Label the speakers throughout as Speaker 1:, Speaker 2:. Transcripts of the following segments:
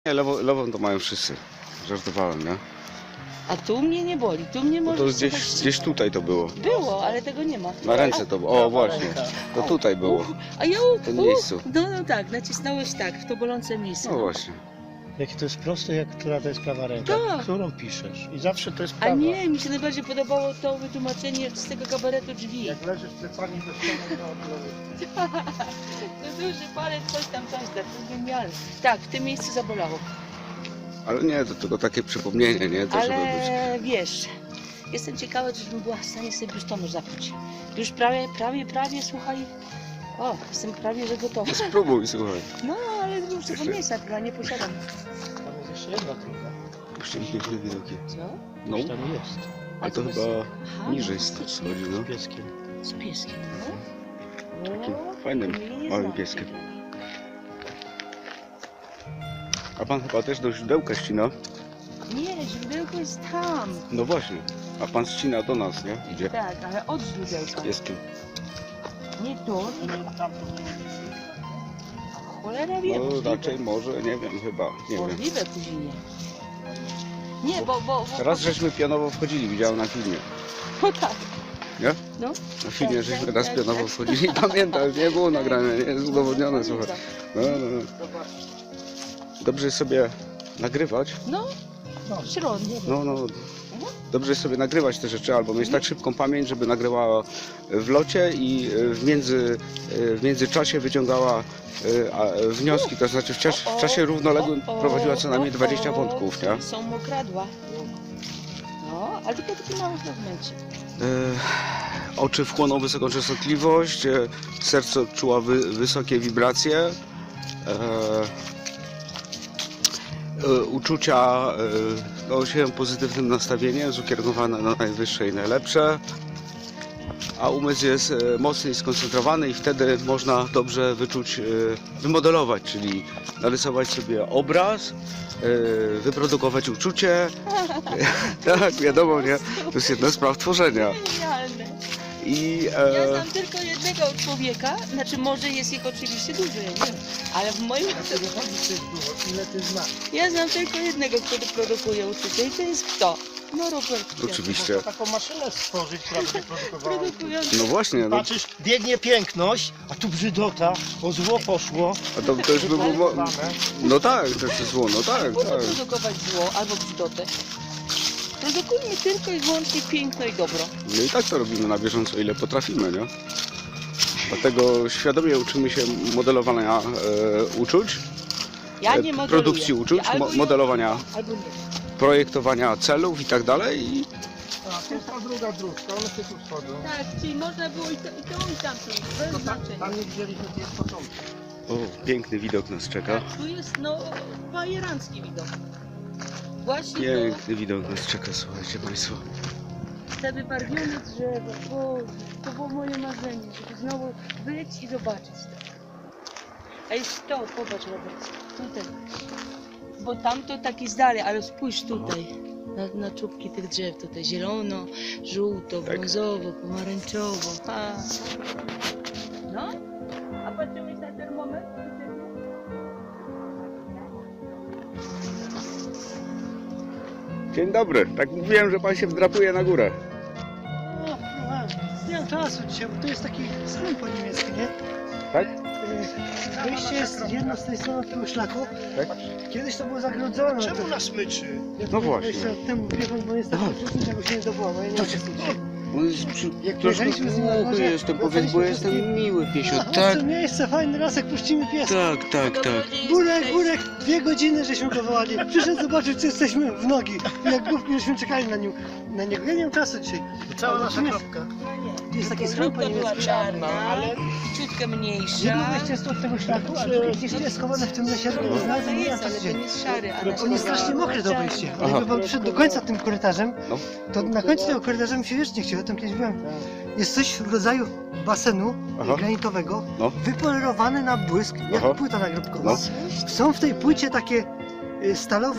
Speaker 1: Nie, lewą to mają wszyscy. Żartowałem, nie?
Speaker 2: A tu mnie nie boli, tu mnie
Speaker 1: Bo
Speaker 2: może...
Speaker 1: to gdzieś tutaj to było.
Speaker 2: Było, ale tego nie ma.
Speaker 1: Na ręce to było. O, właśnie. To tutaj było.
Speaker 2: A ja
Speaker 1: W tym miejscu.
Speaker 2: No tak, nacisnąłeś tak, w to bolące miejsce.
Speaker 1: No właśnie.
Speaker 3: Jakie to jest proste, jak która to jest prawa ręka,
Speaker 2: Tak.
Speaker 3: którą piszesz. I zawsze to jest
Speaker 2: A
Speaker 3: prawa.
Speaker 2: nie, mi się najbardziej podobało to wytłumaczenie z tego kabaretu drzwi.
Speaker 3: Jak leżysz plecami do ściany,
Speaker 2: To duży palec, coś tam, to jest genialne. Tak, w tym miejscu zabolało.
Speaker 1: Ale nie, to tylko takie przypomnienie, nie? To żeby być.
Speaker 2: Ale wiesz, jestem ciekawa, żebym była w stanie sobie biustonosz zapiąć. Już prawie, słuchaj. O, jestem prawie, że gotowa.
Speaker 1: Spróbuj, słuchaj.
Speaker 2: No, ale już tego miejsca chyba nie posiadam.
Speaker 3: Tam jest jeszcze jedna trójka.
Speaker 1: Puścimy piękne widoki.
Speaker 2: Co?
Speaker 1: No,
Speaker 3: Już tam jest.
Speaker 1: a to
Speaker 2: bez-
Speaker 1: chyba
Speaker 2: Aha,
Speaker 1: niżej
Speaker 2: no, faktycznie.
Speaker 1: schodzi, no.
Speaker 3: Z pieskiem.
Speaker 2: Z pieskiem, no.
Speaker 1: Takim
Speaker 2: No,
Speaker 1: fajnym,
Speaker 2: mnie nie
Speaker 1: małym
Speaker 2: znam.
Speaker 1: pieskiem. A pan chyba też do źródełka ścina?
Speaker 2: Nie, źródełko jest tam.
Speaker 1: No właśnie. A pan ścina do nas, nie? Idzie.
Speaker 2: Tak, ale od źródełka.
Speaker 1: Z pieskiem.
Speaker 2: Nie tu. Cholera wie,
Speaker 1: No
Speaker 2: możliwe.
Speaker 1: raczej może, nie wiem, chyba. Nie wiem.
Speaker 2: Możliwe później. Nie, bo...
Speaker 1: Raz żeśmy pionowo wchodzili, widziałem na filmie.
Speaker 2: No tak.
Speaker 1: Nie?
Speaker 2: No.
Speaker 1: Na filmie
Speaker 2: Tak,
Speaker 1: żeśmy
Speaker 2: tak,
Speaker 1: raz
Speaker 2: tak,
Speaker 1: pionowo
Speaker 2: tak.
Speaker 1: wchodzili. Pamiętam, nie było nagrane, nie jest udowodnione, słuchaj. No. Dobrze jest sobie nagrywać.
Speaker 2: No, środnie.
Speaker 1: No. Dobrze jest sobie nagrywać te rzeczy, albo mieć tak szybką pamięć, żeby nagrywała w locie i w międzyczasie wyciągała wnioski, to znaczy w czasie równoległym prowadziła co najmniej 20 wątków, nie?
Speaker 2: Są mokradła. No, ale tylko takie małe fragmencie.
Speaker 1: Oczy wchłoną wysoką częstotliwość, serce odczuła wysokie wibracje, uczucia się pozytywnym nastawieniem, ukierunkowane na najwyższe i najlepsze, a umysł jest mocny i skoncentrowany i wtedy można dobrze wyczuć, wymodelować, czyli narysować sobie obraz, wyprodukować uczucie. Tak, wiadomo, nie? To jest jedna z praw tworzenia.
Speaker 2: Genialne.
Speaker 1: I
Speaker 2: Ja znam tylko jednego człowieka, znaczy może jest ich oczywiście dużo, ja nie wiem, ale w moim...
Speaker 3: Ile ty znasz?
Speaker 2: Ja znam tylko jednego, który produkuje uczucie i to jest kto? No Robert.
Speaker 1: oczywiście.
Speaker 3: Można taką maszynę stworzyć, która by produkowała.
Speaker 2: Produkujący.
Speaker 1: No właśnie, no,
Speaker 3: Patrzysz, biegnie piękność, a tu brzydota, o zło poszło.
Speaker 1: a to już by było... No tak, to jest zło, no tak,
Speaker 2: Po co
Speaker 1: tak.
Speaker 2: produkować zło albo brzydotę? Produkujmy tylko i wyłącznie piękno i dobro.
Speaker 1: No i tak to robimy na bieżąco, ile potrafimy, nie? Dlatego świadomie uczymy się modelowania uczuć,
Speaker 2: Ja nie modeluję.
Speaker 1: produkcji uczuć,
Speaker 2: Ja albo
Speaker 1: modelowania,
Speaker 2: albo nie.
Speaker 1: projektowania celów i tak dalej. I
Speaker 3: A, to jest ta druga dróżka, one się tu wchodzą.
Speaker 2: Tak, czyli można było i to i tamto, bez znaczenia.
Speaker 3: Tam nie widzieliśmy gdzie jest początek.
Speaker 1: o, piękny widok nas czeka.
Speaker 2: Tu jest no bajerancki widok. Właśnie
Speaker 1: Piękny widok nas czeka, słuchajcie państwo.
Speaker 2: te wybarwione drzewo, Boże, to było moje marzenie, żeby znowu być i zobaczyć to. A jest to, popatrz Robert, tutaj. Bo tamto taki z dalej, ale spójrz tutaj. Na czubki tych drzew, tutaj zielono, żółto,
Speaker 1: Tak.
Speaker 2: brązowo, pomarańczowo. Ha. No, a patrzyłeś na termometr?
Speaker 1: Dzień dobry, tak mówiłem, że pan się wdrapuje na górę.
Speaker 4: O, nie mam czasu dzisiaj, bo to jest taki schron po niemiecku, nie?
Speaker 1: Tak?
Speaker 4: Wyjście jest jedno z tej strony tego szlaku.
Speaker 1: Tak?
Speaker 4: Kiedyś to było zagrodzone.
Speaker 3: Czemu na smyczy?
Speaker 4: Ja
Speaker 1: No
Speaker 4: to
Speaker 1: właśnie.
Speaker 4: 20 lat temu biegłem, bo jest taki wcześniej, czego się nie zdobyło, bo ja nie wiem,
Speaker 1: On jest
Speaker 4: Jak
Speaker 1: troszkę
Speaker 4: jechaliśmy z nim na
Speaker 1: głuchy
Speaker 4: morze,
Speaker 1: jestem, powiedz, bo
Speaker 4: wracaliśmy
Speaker 1: jestem miły piesio.
Speaker 4: A,
Speaker 1: Tak,
Speaker 4: to miejsce, fajny lasek, puścimy pies.
Speaker 1: tak.
Speaker 4: Burek, 2 godziny żeśmy go wołali. Przyszedł zobaczyć, czy jesteśmy w nogi. I jak główki, żeśmy czekali na niego. Ja nie mam czasu dzisiaj.
Speaker 3: Cała nasza
Speaker 4: Natomiast
Speaker 3: kropka.
Speaker 4: jest taki schron po
Speaker 2: Kropka była
Speaker 4: niemiecku.
Speaker 2: czarna,
Speaker 3: ale
Speaker 2: ciutkę
Speaker 4: Jedno
Speaker 2: mniejsza.
Speaker 4: wejście jest od tego szlaku, a drugie gdzieś tu jest schowane w tym lesie.
Speaker 2: No, to
Speaker 4: Znalazłem nie
Speaker 2: jest,
Speaker 4: wiem,
Speaker 2: ale
Speaker 4: co
Speaker 2: to
Speaker 4: się
Speaker 2: nie jest szary. a
Speaker 4: On jest strasznie mokry to wejście. Ale
Speaker 1: Aha.
Speaker 4: jakby pan przyszedł do końca tym korytarzem,
Speaker 1: No.
Speaker 4: to na końcu tego korytarza mi się wiecznie chciał, ja tam kiedyś byłem. Jest coś w rodzaju basenu
Speaker 1: Aha.
Speaker 4: granitowego,
Speaker 1: No.
Speaker 4: wypolerowany na błysk, jak
Speaker 1: Aha.
Speaker 4: płyta nagrobkowa.
Speaker 1: No.
Speaker 4: Są w tej płycie takie stalowe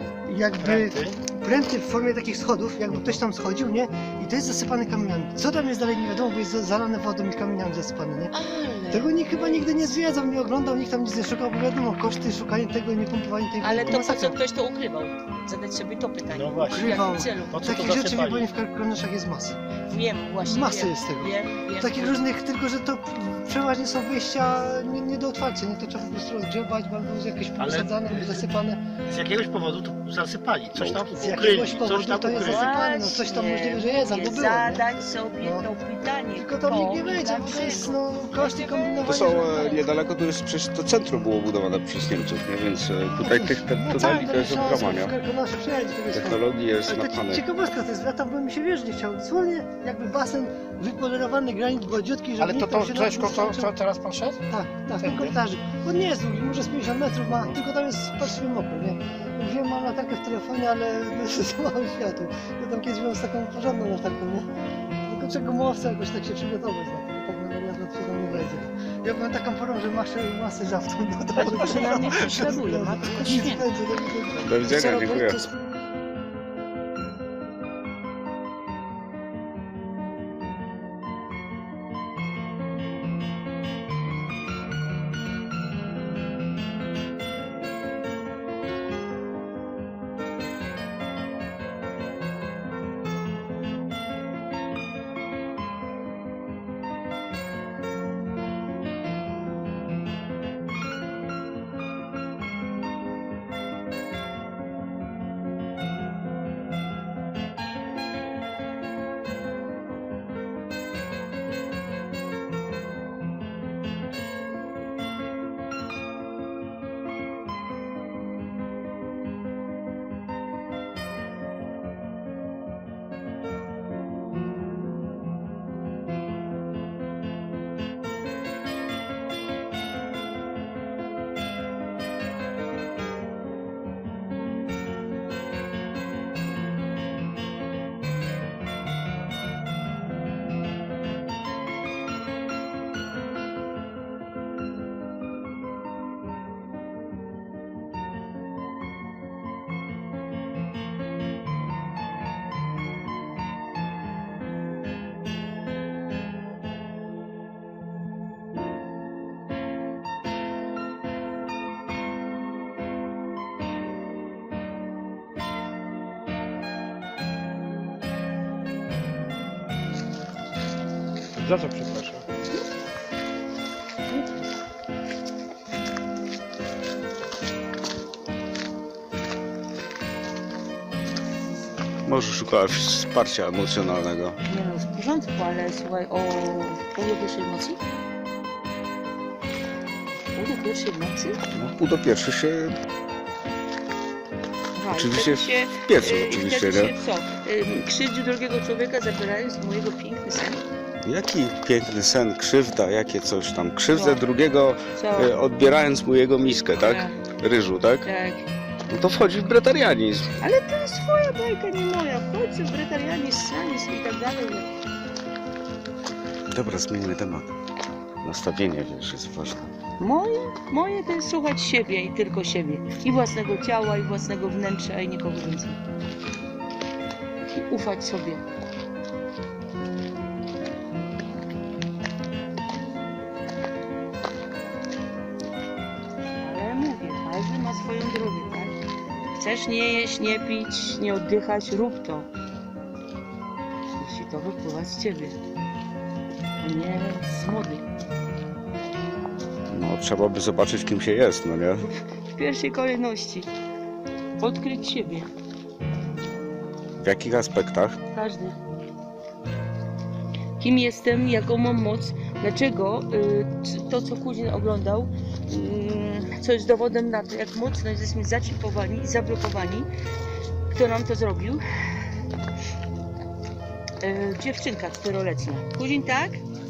Speaker 4: jakby pręty w formie takich schodów, jakby ktoś tam schodził, nie? I to jest zasypane kamieniami. Co tam jest dalej nie wiadomo, bo jest zalane wodą i kamieniami zasypane, nie?
Speaker 2: Ale...
Speaker 4: Tego nikt chyba nigdy nie zwiedzał, nie oglądał, nikt tam nic nie szukał, bo wiadomo, koszty szukania tego i nie pompowania tej
Speaker 2: Ale to po co
Speaker 4: masakra.
Speaker 2: ktoś to ukrywał? Zadać sobie to pytanie.
Speaker 3: No właśnie.
Speaker 2: W jakim
Speaker 4: Ukrywał.
Speaker 2: celu?
Speaker 3: Po co to
Speaker 4: Takich rzeczy
Speaker 3: zasypali?
Speaker 4: wie, bo w Karkonoszach jest masa.
Speaker 2: Wiem, właśnie
Speaker 4: Masy
Speaker 2: wiem.
Speaker 4: jest tego.
Speaker 2: Wiem.
Speaker 4: Takich różnych, tylko że to przeważnie są wyjścia nie do otwarcia, nie? To trzeba po prostu rozgrzebać, albo jakieś
Speaker 3: Ale-
Speaker 4: posadzane, albo zasypane.
Speaker 3: Z jakiegoś powodu to zasypali, coś tam
Speaker 4: Z
Speaker 3: ukryli,
Speaker 4: jakiegoś
Speaker 3: coś
Speaker 4: powodu
Speaker 3: tam
Speaker 4: to jest
Speaker 3: ukryli.
Speaker 4: zasypane. no coś tam możliwe, że jest, albo było, nie?
Speaker 2: Zadać sobie
Speaker 4: No.
Speaker 2: to pytanie.
Speaker 4: Tylko tam nikt nie wejdzie, bo to jest no, koszty kombinowania.
Speaker 1: To są
Speaker 4: że-
Speaker 1: niedaleko, to jest przecież to centrum było budowane przez Niemców, nie? Więc tutaj tych
Speaker 4: No
Speaker 1: tuneli to jest ogromnie.
Speaker 4: W Karkonosze przyjechać do tego
Speaker 1: Technologii jest
Speaker 4: Ale to
Speaker 1: napchane.
Speaker 4: ciekawostka to jest, ja tam bym mi się wierzyć nie chciał. Dosłownie jakby basen wypolerowany, granit gładziutki, żeby
Speaker 3: Ale
Speaker 4: nikt
Speaker 3: to
Speaker 4: tam się
Speaker 3: Grześko,
Speaker 4: na tym
Speaker 3: co teraz pan szedł?
Speaker 4: Tak, w tym
Speaker 3: Tędy?
Speaker 4: korytarzu. On nie jest długi, może z 50 metrów ma, tylko tam jest patrzmy mokro, nie? Wiem, mam latarkę w telefonie, ale za mało światło. Ja tam kiedyś byłem z taką porządną latarką, nie? Tylko czego mowca jakoś tak się przygotować na to, tak na wariat się tam nie wejdzie. Ja byłem taką porą, że masę żawtą dodało.
Speaker 2: Ale przynajmniej prześladuje, matko święta.
Speaker 1: Do widzenia, dziękuję.
Speaker 3: Za co przepraszam?
Speaker 1: Może szukała wsparcia emocjonalnego.
Speaker 2: Nie no, w porządku, ale słuchaj, o pół do pierwszej nocy? Pół do pierwszej nocy?
Speaker 1: No, pół do pierwszy się
Speaker 2: Aha, i
Speaker 1: Oczywiście
Speaker 2: wtedy się,
Speaker 1: w piecu,
Speaker 2: i
Speaker 1: oczywiście,
Speaker 2: wtedy
Speaker 1: nie?
Speaker 2: się co? Krzywdzi drugiego człowieka, zabierając mojego piękny sen?
Speaker 1: Jaki piękny sen, krzywda, jakie coś tam. Krzywdę
Speaker 2: No.
Speaker 1: drugiego,
Speaker 2: Co?
Speaker 1: odbierając mu jego miskę, tak? Ryżu, tak?
Speaker 2: Tak.
Speaker 1: No to wchodzi w bretarianizm.
Speaker 2: Ale to jest twoja bajka, nie moja. Chodź, bretarianizm, sanizm i tak dalej.
Speaker 1: Dobra, zmieńmy temat. Nastawienie, wiesz, jest ważne.
Speaker 2: Moje to jest słuchać siebie i tylko siebie. I własnego ciała, i własnego wnętrza, i nikogo więcej. I ufać sobie. Ale mówię, każdy ma swoją drogę, tak? Chcesz nie jeść, nie pić, nie oddychać, rób to. Jeśli to wypływa z ciebie, a nie z młodych.
Speaker 1: No, trzeba by zobaczyć, kim się jest, no nie?
Speaker 2: W pierwszej kolejności odkryć siebie,
Speaker 1: W jakich aspektach?
Speaker 2: każdy. Kim jestem, jaką mam moc, dlaczego to, co Kuzin oglądał, co jest dowodem na to, jak mocno jesteśmy zaczipowani i zablokowani. Kto nam to zrobił? Dziewczynka 4-letnia. Kuzin, tak?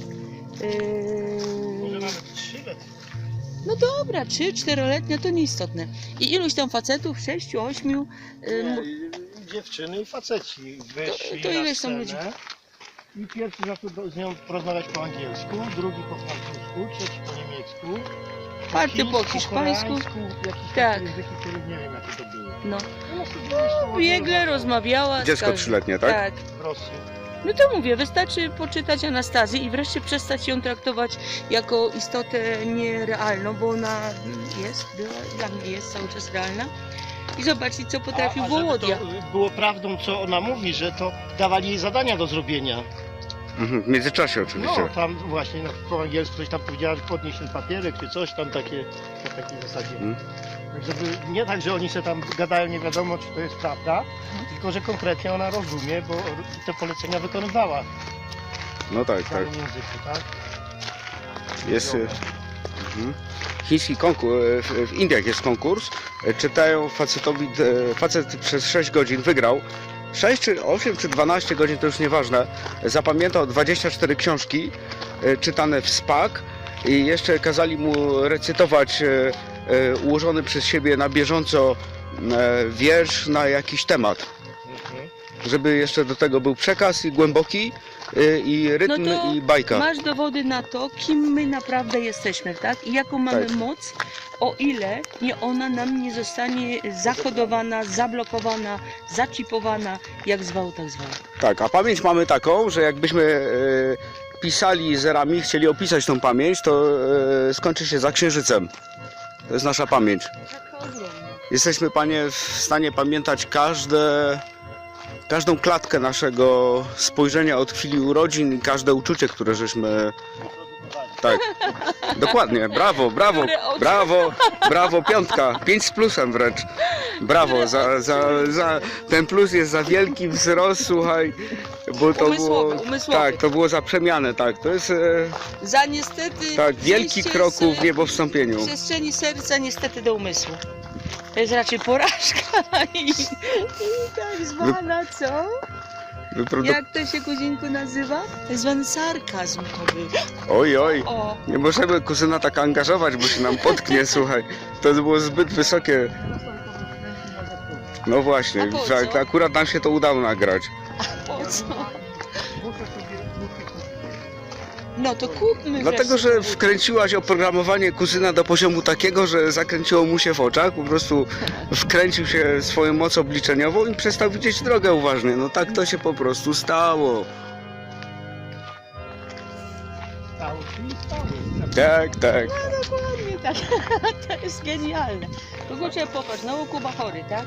Speaker 3: Może nawet 3 lata.
Speaker 2: No dobra, 3-4-letnia to nieistotne. I iluś tam facetów, 6-8.
Speaker 3: Nie, dziewczyny i faceci wyszli
Speaker 2: to
Speaker 3: na
Speaker 2: ileś tam
Speaker 3: scenę
Speaker 2: ludzi?
Speaker 3: i pierwszy zaczął z nią porozmawiać po angielsku, drugi po francusku, trzeci po niemiecku,
Speaker 2: Czwarty po hiszpańsku.
Speaker 3: koreańsku, jakieś
Speaker 2: Tak.
Speaker 3: takie języki, których nie wiem jakie to były.
Speaker 2: No. Biegle rozmawiała. z
Speaker 1: Dziecko
Speaker 2: każdym.
Speaker 1: 3-letnie, tak?
Speaker 2: Tak.
Speaker 3: W Rosji.
Speaker 2: No to mówię, wystarczy poczytać Anastazję i wreszcie przestać ją traktować jako istotę nierealną, bo ona jest, dla mnie jest cały czas realna. I zobaczyć, co potrafił
Speaker 3: żeby
Speaker 2: Wołodia.
Speaker 3: to było prawdą, co ona mówi, że to dawali jej zadania do zrobienia.
Speaker 1: Mhm, w międzyczasie oczywiście.
Speaker 3: No, tam właśnie po angielsku coś tam powiedziała, że podnieś ten papierek, czy coś tam takie, na takiej zasadzie.
Speaker 1: Mhm.
Speaker 3: Tak, żeby, nie tak, że oni sobie tam gadają, nie wiadomo, czy to jest prawda, tylko, że konkretnie ona rozumie, bo te polecenia wykonywała
Speaker 1: No tak,
Speaker 3: w
Speaker 1: tak.
Speaker 3: danym języku, tak?
Speaker 1: Jest chiński konkurs, w Indiach jest konkurs, czytają facetowi, facet przez 6 godzin wygrał, 6 czy 8 czy 12 godzin to już nieważne, zapamiętał 24 książki czytane w SPAK i jeszcze kazali mu recytować ułożony przez siebie na bieżąco wiersz na jakiś temat, żeby jeszcze do tego był przekaz i głęboki i rytm
Speaker 2: No to
Speaker 1: i bajka.
Speaker 2: Masz dowody na to, kim my naprawdę jesteśmy, tak? I jaką mamy
Speaker 1: Tak.
Speaker 2: moc, o ile ona nam nie zostanie zakodowana, zablokowana, zaczipowana, jak zwał, tak zwał.
Speaker 1: Tak, a pamięć mamy taką, że jakbyśmy pisali zerami, chcieli opisać tą pamięć, to skończy się za księżycem. To jest nasza pamięć.
Speaker 2: Taka ogromna.
Speaker 1: Jesteśmy, Panie, w stanie pamiętać każdą klatkę naszego spojrzenia od chwili urodzin i każde uczucie, które żeśmy... Tak, dokładnie, brawo, brawo,
Speaker 2: Dobre oczy.
Speaker 1: brawo, brawo, piątka, 5 z plusem wręcz. Brawo, ten plus jest za wielki wzrost, słuchaj, bo to
Speaker 2: Umysłowy,
Speaker 1: było...
Speaker 2: umysłowy.
Speaker 1: Tak, to było za przemianę, tak, to jest
Speaker 2: Za niestety...
Speaker 1: tak, wielki
Speaker 2: przejście
Speaker 1: krok
Speaker 2: z
Speaker 1: w niebowstąpieniu.
Speaker 2: przestrzeni serca niestety do umysłu. To jest raczej porażka i tak zwana, co? Jak to się, kuzinku, nazywa? Tak zwany sarkazm to był.
Speaker 1: Oj, oj,
Speaker 2: O,
Speaker 1: nie możemy kuzyna tak angażować, bo się nam potknie, słuchaj. To było zbyt wysokie. No właśnie,
Speaker 2: A po
Speaker 1: tak,
Speaker 2: co?
Speaker 1: akurat nam się to udało nagrać.
Speaker 2: po co? No to kupmy
Speaker 1: Dlatego,
Speaker 2: wreszcie
Speaker 1: że
Speaker 2: te buty.
Speaker 1: wkręciłaś oprogramowanie kuzyna do poziomu takiego, że zakręciło mu się w oczach, po prostu wkręcił się swoją moc obliczeniową i przestał widzieć drogę uważnie. No tak to się po prostu stało.
Speaker 3: Stało się i stało.
Speaker 1: Tak, tak.
Speaker 2: No dokładnie tak. To jest genialne. Kurczę, popatrz, znowu Kuba chory, tak?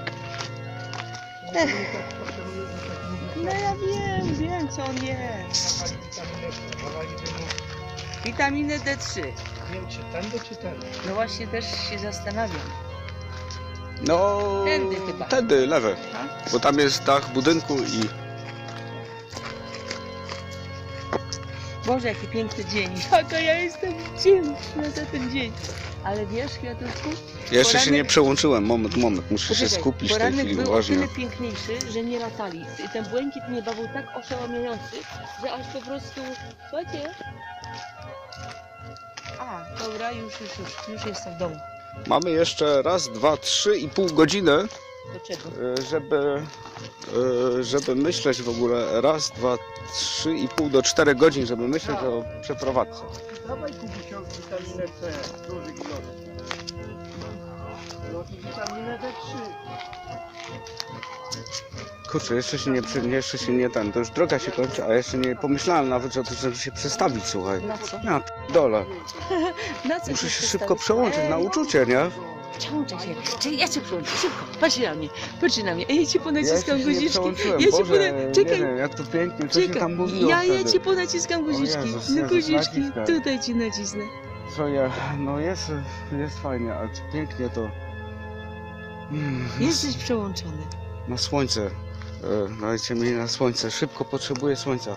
Speaker 2: No ja wiem co on je. Witaminę D3.
Speaker 3: Nie wiem, czy tędy, czy tędy.
Speaker 2: No właśnie też się zastanawiam.
Speaker 1: No,
Speaker 2: Tędy chyba.
Speaker 1: tędy, lewe.
Speaker 2: A?
Speaker 1: Bo tam jest dach budynku i...
Speaker 2: Boże, jaki piękny dzień. Jaka ja jestem wdzięczna za ten dzień. Ale wiesz, Kwiatuszku?
Speaker 1: Jeszcze się
Speaker 2: Poranek-
Speaker 1: nie przełączyłem, moment, muszę się
Speaker 2: Poczekaj,
Speaker 1: skupić w tej
Speaker 2: poranek
Speaker 1: chwili
Speaker 2: był o
Speaker 1: uważnie.
Speaker 2: tyle piękniejszy, że nie latali. Ten błękit nieba był tak oszałamiający, że aż po prostu... Słuchajcie. A, dobra, już jestem w domu.
Speaker 1: Mamy jeszcze raz, dwa, 3,5 godziny,
Speaker 2: Do czego?
Speaker 1: żeby myśleć w ogóle. Raz, dwa, 3,5 do 4 godzin, żeby myśleć o przeprowadzce.
Speaker 3: Dawaj Kubusiowi witaminę C, duży ilość. No i witaminę D3.
Speaker 1: Kurczę, jeszcze się nie ten, to już droga się kończy, a jeszcze nie pomyślałem nawet o tym, żeby się przestawić, słuchaj.
Speaker 2: Na co?
Speaker 1: Ja dole.
Speaker 2: Na co
Speaker 1: Muszę się
Speaker 2: przestawić?
Speaker 1: szybko przełączyć na uczucie, nie?
Speaker 2: Przełączaj się. Czyli ja cię przełączę, szybko. Patrz na mnie, patrz na mnie. Ja ci ponaciskam
Speaker 1: jeszcze nie
Speaker 2: guziczki.
Speaker 1: przełączyłem,
Speaker 2: Ja ci
Speaker 1: Boże,
Speaker 2: czekaj.
Speaker 1: nie wiem, jak to pięknie, co się
Speaker 2: Czekaj,
Speaker 1: tam mówiło
Speaker 2: ja
Speaker 1: wtedy.
Speaker 2: ci ponaciskam guziczki.
Speaker 1: Jezus,
Speaker 2: No
Speaker 1: Jezus,
Speaker 2: guziczki,
Speaker 1: naciskaj.
Speaker 2: tutaj ci nacisnę.
Speaker 1: Co ja, no jest fajnie, ale czy pięknie to...
Speaker 2: Jesteś przełączony.
Speaker 1: Na słońce. Dajcie mi na słońce. Szybko potrzebuję słońca.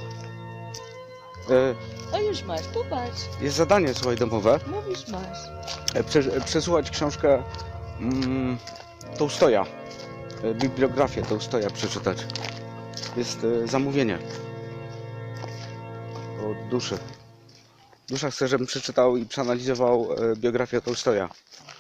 Speaker 2: O już masz, popatrz.
Speaker 1: Jest zadanie, słuchaj, domowe.
Speaker 2: Mówisz masz.
Speaker 1: Przesłuchać książkę Tołstoja. Bibliografię Tołstoja przeczytać. Jest zamówienie. Od duszy. Dusza chce, żebym przeczytał i przeanalizował biografię Tołstoja.